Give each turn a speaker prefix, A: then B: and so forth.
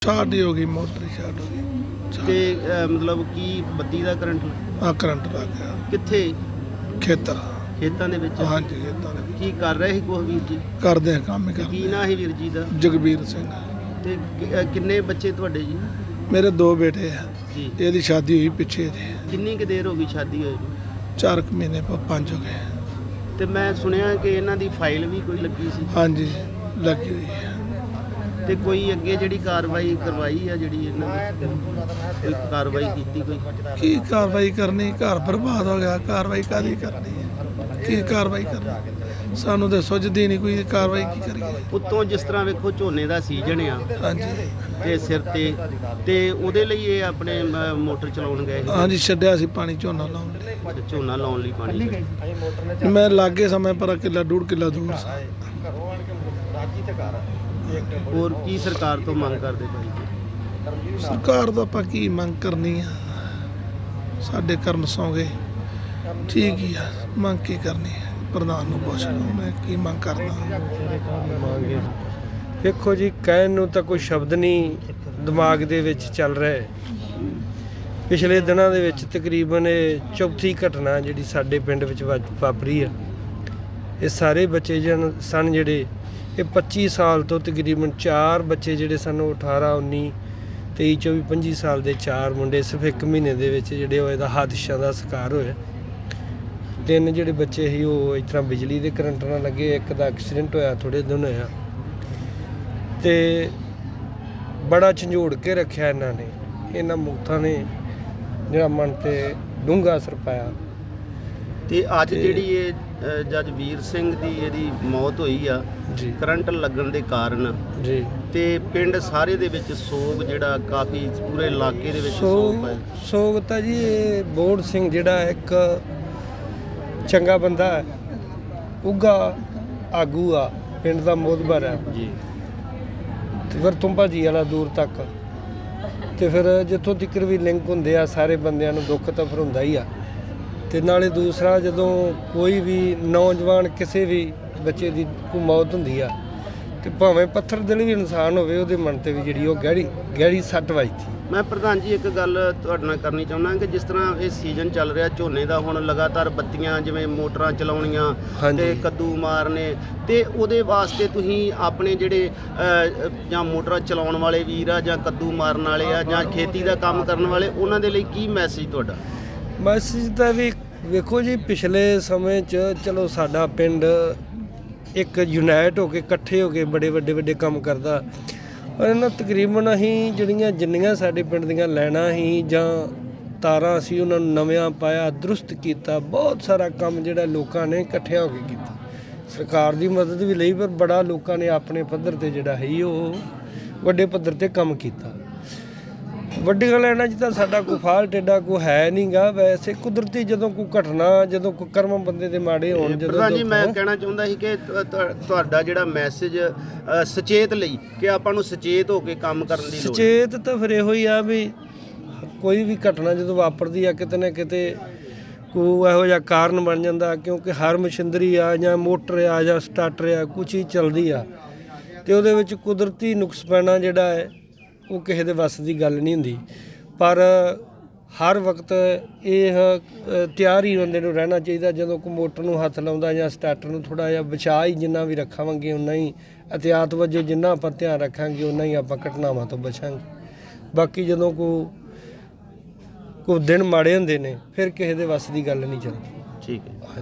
A: Start ही हो गई, motor start हो गई
B: ਤੇ ਮਤਲਬ ਕੀ ਬੱਤੀ ਦਾ ਕਰੰਟ
A: हाँ करंट लग गया
B: ਕਿੱਥੇ
A: खेतर।
B: ਖੇਤਾਂ ਦੇ ਵਿੱਚ
A: हाँ जी खेतों ने
B: ਕੀ ਕਰ ਰਹੇ ਸੀ ਕੁਛ ਵੀਰ ਜੀ
A: करते हैं काम ही
B: ਕੀ
A: करते
B: ਨਾਂ ਸੀ ਵੀਰ ਜੀ ਦਾ
A: हैं। जगबीर सिंह
B: ਤੇ ਕਿੰਨੇ ਬੱਚੇ ਤੁਹਾਡੇ ਜੀ
A: मेरे दो बेटे हैं,
B: ਜੀ
A: ਇਹਦੀ शादी हुई पिछे जी
B: ਕਿੰਨੀ ਕੁ ਦੇਰ ਹੋ ਗਈ ਸ਼ਾਦੀ ਹੋਈ ਨੂੰ?
A: 4 महीने पर 5 हो गए।
B: ਤੇ ਮੈਂ ਸੁਣਿਆ ਕਿ ਇਹਨਾਂ ਦੀ ਫਾਈਲ ਵੀ ਕੋਈ ਲੱਗੀ ਸੀ
A: हाँ जी लगी हुई है।
B: ਤੇ ਕੋਈ ਅੱਗੇ ਜਿਹੜੀ ਕਾਰਵਾਈ ਕਰਵਾਈ ਆ ਜਿਹੜੀ ਇਹਨਾਂ ਨੇ ਕੋਈ ਕਾਰਵਾਈ ਕੀਤੀ ਕੋਈ
A: की कार्रवाई करनी, घर बर्बाद हो गया, कार्रवाई कादी करनी है, की कार्रवाई करनी सानू तो सुझदी नहीं कोई कार्रवाई की करिए।
B: ਉੱਤੋਂ ਜਿਸ ਤਰ੍ਹਾਂ ਵੇਖੋ ਝੋਨੇ ਦਾ ਸੀਜ਼ਨ ਆ
A: हाँ जी
B: ਤੇ ਸਿਰ ਤੇ ਉਹਦੇ ਲਈ ਇਹ ਆਪਣੇ ਮੋਟਰ ਚਲਾਉਣ ਗਏ
A: हाँ जी छड्या सी पानी झोना लाउण लई।
B: ਸੀ ਝੋਨਾ ਲਾਉਣ ਲਈ ਪਾਣੀ
A: मैं लागे समय पर किला 1.5 किला दूर सा।
B: ਹੋਰ ਕੀ ਸਰਕਾਰ ਤੋਂ ਮੰਗ ਕਰਦੇ ਭਾਈ
A: ਸਰਕਾਰ ਤੋਂ ਆਪਾਂ ਕੀ ਮੰਗ ਕਰਨੀ ਆ, ਸਾਡੇ ਕਰਮ ਸੌਂ ਗਏ, ਠੀਕ ਹੀ ਆ, ਮੰਗ ਕੀ ਕਰਨੀ ਹੈ, ਪ੍ਰਧਾਨ ਨੂੰ ਪੁੱਛ ਲਓ ਮੈਂ ਕੀ ਮੰਗ ਕਰਦਾ।
C: ਦੇਖੋ ਜੀ, ਕਹਿਣ ਨੂੰ ਤਾਂ ਕੋਈ ਸ਼ਬਦ ਨਹੀਂ ਦਿਮਾਗ ਦੇ ਵਿੱਚ ਚੱਲ ਰਿਹਾ ਹੈ। ਪਿਛਲੇ ਦਿਨਾਂ ਦੇ ਵਿੱਚ ਤਕਰੀਬਨ ਇਹ ਚੌਥੀ ਘਟਨਾ ਜਿਹੜੀ ਸਾਡੇ ਪਿੰਡ ਵਿੱਚ ਵਾਪਰੀ ਆ। ਇਹ ਸਾਰੇ ਬੱਚੇ ਸਨ ਜਿਹੜੇ ਇਹ 25 ਸਾਲ ਤੋਂ ਤਕਰੀਬਨ 4 ਬੱਚੇ ਜਿਹੜੇ ਸਨ 18, 19, 23, 24, 25 ਸਾਲ ਦੇ 4 ਮੁੰਡੇ ਸਿਰਫ 1 ਮਹੀਨੇ ਦੇ ਵਿੱਚ ਜਿਹੜੇ ਉਹ ਇਹਦਾ ਹਾਦਸਾ ਦਾ ਸ਼ਿਕਾਰ ਹੋਏ। 3 ਜਿਹੜੇ ਬੱਚੇ ਸੀ ਉਹ ਇਸ ਤਰ੍ਹਾਂ ਬਿਜਲੀ ਦੇ ਕਰੰਟ ਨਾਲ ਲੱਗੇ, ਇੱਕ ਦਾ ਐਕਸੀਡੈਂਟ ਹੋਇਆ ਥੋੜ੍ਹੇ ਦਿਨ ਹੋਇਆ। ਤੇ ਬੜਾ ਝੰਜੋੜ ਕੇ ਰੱਖਿਆ ਇਹਨਾਂ ਮੁਕਤਾਂ ਨੇ, ਜਿਹੜਾ ਮਨ ਤੇ ਡੂੰਘਾ ਅਸਰ ਪਾਇਆ।
B: ਤੇ ਅੱਜ ਜਿਹੜੀ ਇਹ ਜੱਜ ਵੀਰ ਸਿੰਘ ਦੀ ਇਹਦੀ ਮੌਤ ਹੋਈ ਆ
C: ਜੀ
B: ਕਰੰਟ ਲੱਗਣ ਦੇ ਕਾਰਨ,
C: ਜੀ
B: ਤੇ ਪਿੰਡ ਸਾਰੇ ਦੇ ਵਿੱਚ ਸੋਗ ਜਿਹੜਾ ਕਾਫੀ ਪੂਰੇ ਇਲਾਕੇ ਦੇ ਵਿੱਚ ਸੋਗ ਹੈ।
C: ਸੋਗ ਤਾਂ ਜੀ ਇਹ ਬੋੜ ਸਿੰਘ ਜਿਹੜਾ ਇੱਕ ਚੰਗਾ ਬੰਦਾ ਹੈ, ਉੱਘਾ ਆਗੂ ਆ, ਪਿੰਡ ਦਾ ਮੋਹਤਬਰ ਹੈ
B: ਜੀ
C: ਤੇ ਫਿਰ ਤੁੰਬਾ ਜੀ ਵਾਲਾ ਦੂਰ ਤੱਕ। ਤੇ ਫਿਰ ਜਿੱਥੋਂ ਤੱਕ ਵੀ ਲਿੰਕ ਹੁੰਦੇ ਆ ਸਾਰੇ ਬੰਦਿਆਂ ਨੂੰ ਦੁੱਖ ਤਾਂ ਫਿਰ ਹੁੰਦਾ ਹੀ ਆ। ਤੇ ਨਾਲੇ ਦੂਸਰਾ, ਜਦੋਂ ਕੋਈ ਵੀ ਨੌਜਵਾਨ ਕਿਸੇ ਵੀ ਬੱਚੇ ਦੀ ਕੋਈ ਮੌਤ ਹੁੰਦੀ ਆ ਤੇ ਭਾਵੇਂ ਪੱਥਰ ਦਿਲ ਵੀ ਇਨਸਾਨ ਹੋਵੇ, ਉਹਦੇ ਮਨ ਤੇ ਵੀ ਜਿਹੜੀ ਉਹ ਗਹਿਰੀ ਸੱਟ ਵੱਜਦੀ।
B: ਮੈਂ ਪ੍ਰਧਾਨ ਜੀ ਇੱਕ ਗੱਲ ਤੁਹਾਡੇ ਨਾਲ ਕਰਨੀ ਚਾਹੁੰਦਾ ਕਿ ਜਿਸ ਤਰ੍ਹਾਂ ਇਹ ਸੀਜ਼ਨ ਚੱਲ ਰਿਹਾ ਝੋਨੇ ਦਾ, ਹੁਣ ਲਗਾਤਾਰ ਬੱਤੀਆਂ ਜਿਵੇਂ ਮੋਟਰਾਂ ਚਲਾਉਣੀਆਂ ਤੇ ਕੱਦੂ ਮਾਰਨੇ, ਤੇ ਉਹਦੇ ਵਾਸਤੇ ਤੁਸੀਂ ਆਪਣੇ ਜਿਹੜੇ ਜਾਂ ਮੋਟਰਾਂ ਚਲਾਉਣ ਵਾਲੇ ਵੀਰ ਆ ਜਾਂ ਕੱਦੂ ਮਾਰਨ ਵਾਲੇ ਆ ਜਾਂ ਖੇਤੀ ਦਾ ਕੰਮ ਕਰਨ ਵਾਲੇ, ਉਹਨਾਂ ਦੇ ਲਈ ਕੀ ਮੈਸੇਜ ਤੁਹਾਡਾ?
C: ਮੈਸੇਜ ਤਾਂ ਵੀ ਵੇਖੋ ਜੀ, ਪਿਛਲੇ ਸਮੇਂ 'ਚ ਚਲੋ ਸਾਡਾ ਪਿੰਡ ਇੱਕ ਯੂਨਾਈਟ ਹੋ ਕੇ ਇਕੱਠੇ ਹੋ ਕੇ ਬੜੇ ਵੱਡੇ ਕੰਮ ਕਰਦਾ, ਪਰ ਇਹਨਾਂ ਤਕਰੀਬਨ ਅਸੀਂ ਜਿੰਨੀਆਂ ਸਾਡੇ ਪਿੰਡ ਦੀਆਂ ਲਾਈਨਾਂ ਸੀ ਜਾਂ ਤਾਰਾਂ ਸੀ ਉਹਨਾਂ ਨੂੰ ਨਵਿਆਂ ਪਾਇਆ, ਦਰੁਸਤ ਕੀਤਾ। ਬਹੁਤ ਸਾਰਾ ਕੰਮ ਜਿਹੜਾ ਲੋਕਾਂ ਨੇ ਇਕੱਠਿਆਂ ਹੋ ਕੇ ਕੀਤਾ। ਸਰਕਾਰ ਦੀ ਮਦਦ ਵੀ ਲਈ, ਪਰ ਬੜਾ ਲੋਕਾਂ ਨੇ ਆਪਣੇ ਪੱਧਰ 'ਤੇ ਜਿਹੜਾ ਹੈ ਉਹ ਵੱਡੇ ਪੱਧਰ 'ਤੇ ਕੰਮ ਕੀਤਾ। ਵੱਡੀਆਂ ਲਾਈਨਾਂ 'ਚ ਤਾਂ ਸਾਡਾ ਕੋਈ ਫਾਲਟ ਏਡਾ ਕੋਈ ਹੈ ਨਹੀਂ ਗਾ। ਵੈਸੇ ਕੁਦਰਤੀ ਜਦੋਂ ਕੋਈ ਘਟਨਾ, ਜਦੋਂ ਕੋਈ ਕਰਮ ਬੰਦੇ ਦੇ ਮਾੜੇ ਹੋਣ,
B: ਪ੍ਰਧਾਨ ਜੀ ਮੈਂ ਕਹਿਣਾ ਚਾਹੁੰਦਾ ਸੀ ਕਿ ਤੁਹਾਡਾ ਜਿਹੜਾ ਮੈਸੇਜ ਸੁਚੇਤ ਲਈ, ਕਿ ਆਪਾਂ ਨੂੰ ਸੁਚੇਤ ਹੋ ਕੇ ਕੰਮ ਕਰਨ ਦੀ ਲੋੜ।
C: ਸੁਚੇਤ ਤਾਂ ਫਿਰ ਇਹੋ ਹੀ ਆ ਵੀ ਕੋਈ ਵੀ ਘਟਨਾ ਜਦੋਂ ਵਾਪਰਦੀ ਆ, ਕਿਤੇ ਨਾ ਕਿਤੇ ਕੋਈ ਇਹੋ ਜਿਹਾ ਕਾਰਨ ਬਣ ਜਾਂਦਾ, ਕਿਉਂਕਿ ਹਰ ਮਸ਼ੀਨਰੀ ਆ ਜਾਂ ਮੋਟਰ ਆ ਜਾਂ ਸਟਾਰਟਰ ਆ, ਕੁਛ ਹੀ ਚੱਲਦੀ ਆ, ਤੇ ਉਹਦੇ ਵਿੱਚ ਕੁਦਰਤੀ ਨੁਕਸ ਪੈਣਾ ਜਿਹੜਾ ਹੈ ਉਹ ਕਿਸੇ ਦੇ ਵੱਸ ਦੀ ਗੱਲ ਨਹੀਂ ਹੁੰਦੀ। ਪਰ ਹਰ ਵਕਤ ਇਹ ਤਿਆਰ ਹੀ ਬੰਦੇ ਨੂੰ ਰਹਿਣਾ ਚਾਹੀਦਾ। ਜਦੋਂ ਕੋਈ ਮੋਟਰ ਨੂੰ ਹੱਥ ਲਾਉਂਦਾ ਜਾਂ ਸਟਾਰਟਰ ਨੂੰ, ਥੋੜ੍ਹਾ ਜਿਹਾ ਬਚਾਅ ਹੀ ਜਿੰਨਾ ਵੀ ਰੱਖਾਂਗੇ ਉਨਾ ਹੀ, ਅਹਿਤਿਆਤ ਵਜੋਂ ਜਿੰਨਾ ਆਪਾਂ ਧਿਆਨ ਰੱਖਾਂਗੇ ਉਨਾ ਹੀ ਆਪਾਂ ਘਟਨਾਵਾਂ ਤੋਂ ਬਚਾਂਗੇ। ਬਾਕੀ ਜਦੋਂ ਕੋਈ ਦਿਨ ਮਾੜੇ ਹੁੰਦੇ ਨੇ, ਫਿਰ ਕਿਸੇ ਦੇ ਵੱਸ ਦੀ ਗੱਲ ਨਹੀਂ ਚੱਲਦੀ।
B: ਠੀਕ ਹੈ।